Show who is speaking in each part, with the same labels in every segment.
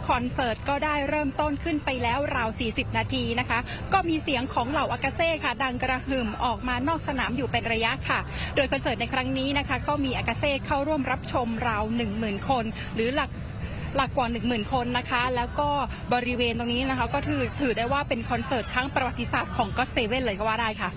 Speaker 1: คอนเสิร์ตก็ได้เริ่มต้นขึ้นไปแล้วราว40นาทีนะคะก็มีเสียงของเหล่าอากาเซ่ค่ะดังกระหึ่มออกมานอกสนามอยู่เป็นระยะค่ะโดยคอนเสิร์ตในครั้งนี้นะคะก็มีอากาเซ่เข้าร่วมรับชมราว 10,000 คนหรือหลักกว่า 10,000 คนนะคะแล้วก็บริเวณตรงนี้นะคะก็ถือได้ว่าเป็นคอนเสิร์ตครั้งประวัติศาสตร์ของก็อตเซเว่นเลยก็ว่าได้ค่ะ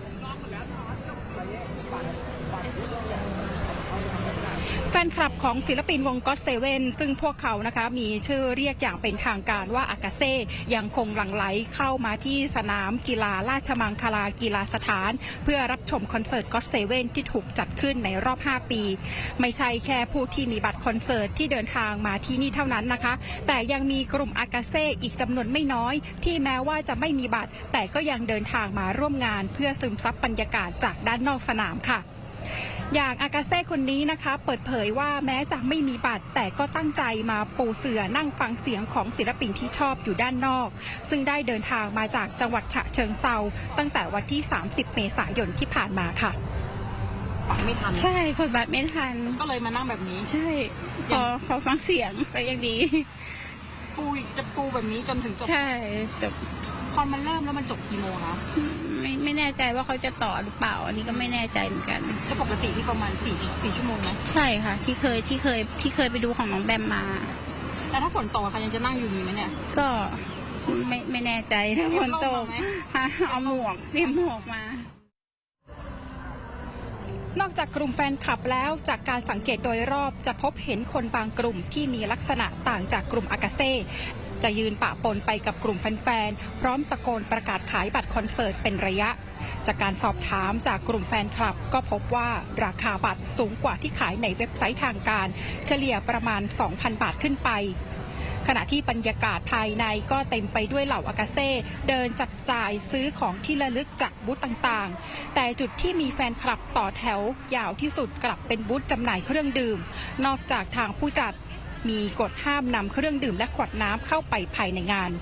Speaker 1: แฟนคลับของศิลปินวงก็อตเซเว่นซึ่งพวกเขานะคะมีชื่อเรียกอย่างเป็นทางการว่าอากาเซ่ยังคงหลั่งไหลเข้ามาที่สนามกีฬาราชมังคลากีฬาสถานเพื่อรับชมคอนเสิร์ตก็อตเซเว่นที่ถูกจัดขึ้นในรอบ5ปีไม่ใช่แค่ผู้ที่มีบัตรคอนเสิร์ตที่เดินทางมาที่นี่เท่านั้นนะคะแต่ยังมีกลุ่มอากาเซ่อีกจำนวนไม่น้อยที่แม้ว่าจะไม่มีบัตรแต่ก็ยังเดินทางมาร่วมงานเพื่อซึมซับบรรยากาศจากด้านนอกสนามค่ะอย่างอากาเซ่คนนี้นะคะเปิดเผยว่าแม้จะไม่มีบัตรแต่ก็ตั้งใจมาปูเสื่อนั่งฟังเสียงของศิลปินที่ชอบอยู่ด้านนอกซึ่งได้เดินทางมาจากจังหวัดฉะเชิงเทราตั้งแต่วันที่30เมษายนที่ผ่านมาค่ะไม่ทัน
Speaker 2: ใช่กดบัตรไม่ทัน
Speaker 1: ก็เลยมานั่งแบบนี้
Speaker 2: ใช่ขอฟังเสียงไปอย่างดี
Speaker 1: จะปูแบบนี้จนถึงจบ
Speaker 2: ใช่จบ
Speaker 1: คอนมันเริ่มแล้วมันจบกี่โมงคะ
Speaker 2: ไม่แน่ใจว่าเขาจะต่อหรือเปล่าอันนี้ก็ไม่แน่ใจเหมือนกัน
Speaker 1: ก็ปกติที่ประมาณ4ชั่วโมงนะ
Speaker 2: ใช่ค่ะที่เคยไปดูของน้องแบมมา
Speaker 1: แต่ถ้าฝนตกค่ะยังจะนั่งอยู่นี่ไหมเนี่ย
Speaker 2: ก็ไม่แน่ใจถ้าฝนตกเอาหมวกเตรียมหมวกม
Speaker 1: านอกจากกลุ่มแฟนคลับแล้วจากการสังเกตโดยรอบจะพบเห็นคนบางกลุ่มที่มีลักษณะต่างจากกลุ่มอากาเซ่จะยืนปะปนไปกับกลุ่มแฟนๆพร้อมตะโกนประกาศขายบัตรคอนเสิร์ตเป็นระยะจากการสอบถามจากกลุ่มแฟนคลับก็พบว่าราคาบัตรสูงกว่าที่ขายในเว็บไซต์ทางการเฉลี่ยประมาณ 2,000 บาทขึ้นไปขณะที่บรรยากาศภายในก็เต็มไปด้วยเหล่าอากาเซ่เดินจับจ่ายซื้อของที่ระลึกจากบูธต่างๆแต่จุดที่มีแฟนคลับต่อแถวยาวที่สุดกลับเป็นบูธจำหน่ายเครื่องดื่มนอกจากทางผู้จัดมีกฎห้ามนำเครื่องดื่มและขวดน้ำเข้าไปภายในงาน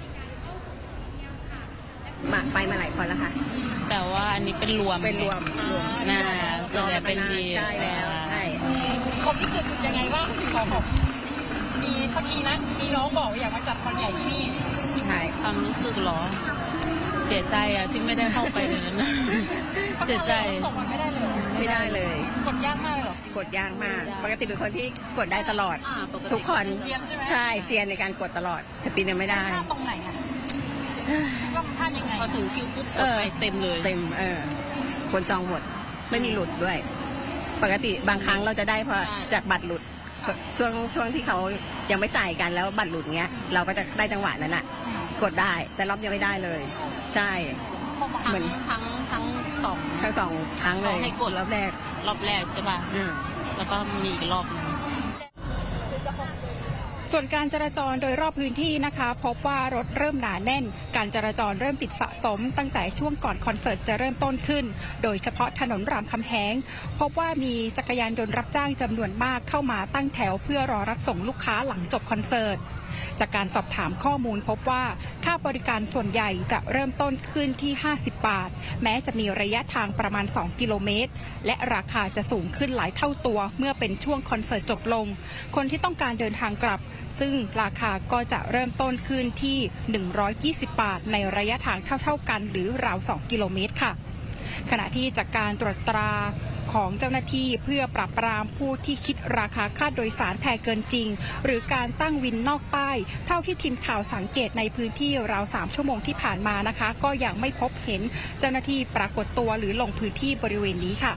Speaker 3: ไปมาหลายคนแล้วค่ะ
Speaker 4: แต่ว่าอันนี้เป็นรวมนะส่วนใหญ่เป็นดี
Speaker 3: ใช่แล้วใช่
Speaker 1: ความรู้สึกยังไงบ้างของมีสักทีนะมีน้องบอกว่าอยากมาจัดคอนใหญ่ที่นี่
Speaker 3: ใช่
Speaker 4: ความรู้สึกหรอเสียใจอะที่ไม่ได้เข้าไปในนั้นเสียใจ
Speaker 1: ไม่ได้
Speaker 3: เลย
Speaker 1: กดยากมากเลยหรอก
Speaker 3: ดยากมากปกติเป็นคนที่กดได้ตลอดทุกคนใช่เซียนในการกดตลอดแต่ปีนี้ไม่ได้
Speaker 1: ตรงไหนคะว่ามันพลาดยังไง
Speaker 4: พอถึงคิวปุ๊บกดไปเต็มเลย
Speaker 3: เต็มคนจองหมดไม่มีหลุดด้วยปกติบางครั้งเราจะได้พอจากบัตรหลุดช่วงที่เขายังไม่จ่ายกันแล้วบัตรหลุดเงี้ยเราก็จะได้จังหวะนั้นน่ะกดได้แต่รอบยังไม่ได้เลยใช่
Speaker 4: เหมือนทั้งสอง
Speaker 3: ครั้งเลย
Speaker 4: ให้กด
Speaker 3: รอบแรก
Speaker 4: ใช่ป่ะแล้วก็มีอีกรอบนึง
Speaker 1: ส่วนการจราจรโดยรอบพื้นที่นะคะพบว่ารถเริ่มหนาแน่นการจราจรเริ่มติดสะสมตั้งแต่ช่วงก่อนคอนเสิร์ตจะเริ่มต้นขึ้นโดยเฉพาะถนนรามคำแหงพบว่ามีจักรยานยนต์รับจ้างจำนวนมากเข้ามาตั้งแถวเพื่อรอรับส่งลูกค้าหลังจบคอนเสิร์ตจากการสอบถามข้อมูลพบว่าค่าบริการส่วนใหญ่จะเริ่มต้นขึ้นที่50 บาทแม้จะมีระยะทางประมาณ2กิโลเมตรและราคาจะสูงขึ้นหลายเท่าตัวเมื่อเป็นช่วงคอนเสิร์ตจบลงคนที่ต้องการเดินทางกลับซึ่งราคาก็จะเริ่มต้นขึ้นที่120 บาทในระยะทางเท่ากันหรือราว2กิโลเมตรค่ะขณะที่จากการตรวจตราของเจ้าหน้าที่เพื่อปราบปรามผู้ที่คิดราคาค่าโดยสารแพงเกินจริงหรือการตั้งวินนอกป้ายเท่าที่ทีมข่าวสังเกตในพื้นที่ราว3ชั่วโมงที่ผ่านมานะคะก็ยังไม่พบเห็นเจ้าหน้าที่ปรากฏตัวหรือลงพื้นที่บริเวณนี้ค่ะ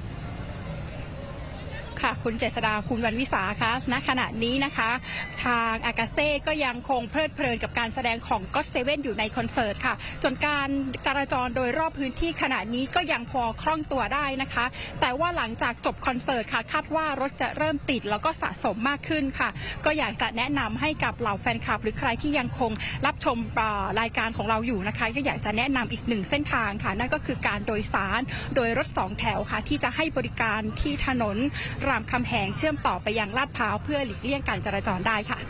Speaker 1: ค่ะคุณเจษดาคุณวรรณวิสาคะณขณะนี้นะคะทางอากาเซ่ก็ยังคงเพลิดเพลินกับการแสดงของก็อตเซเว่นอยู่ในคอนเสิร์ตค่ะส่วนการจราจรโดยรอบพื้นที่ขณะนี้ก็ยังพอคล่องตัวได้นะคะแต่ว่าหลังจากจบคอนเสิร์ตค่ะคาดว่ารถจะเริ่มติดแล้วก็สะสมมากขึ้นค่ะก็อยากจะแนะนำให้กับเหล่าแฟนคลับหรือใครที่ยังคงรับชมรายการของเราอยู่นะคะก็อยากจะแนะนำอีกหนึ่งเส้นทางค่ะนั่นก็คือการโดยสารโดยรถ2แถวค่ะที่จะให้บริการที่ถนนรามคำแหงเชื่อมต่อไปยังลาดพร้าวเพื่อหลีกเลี่ยงการจราจรได้ค่ะ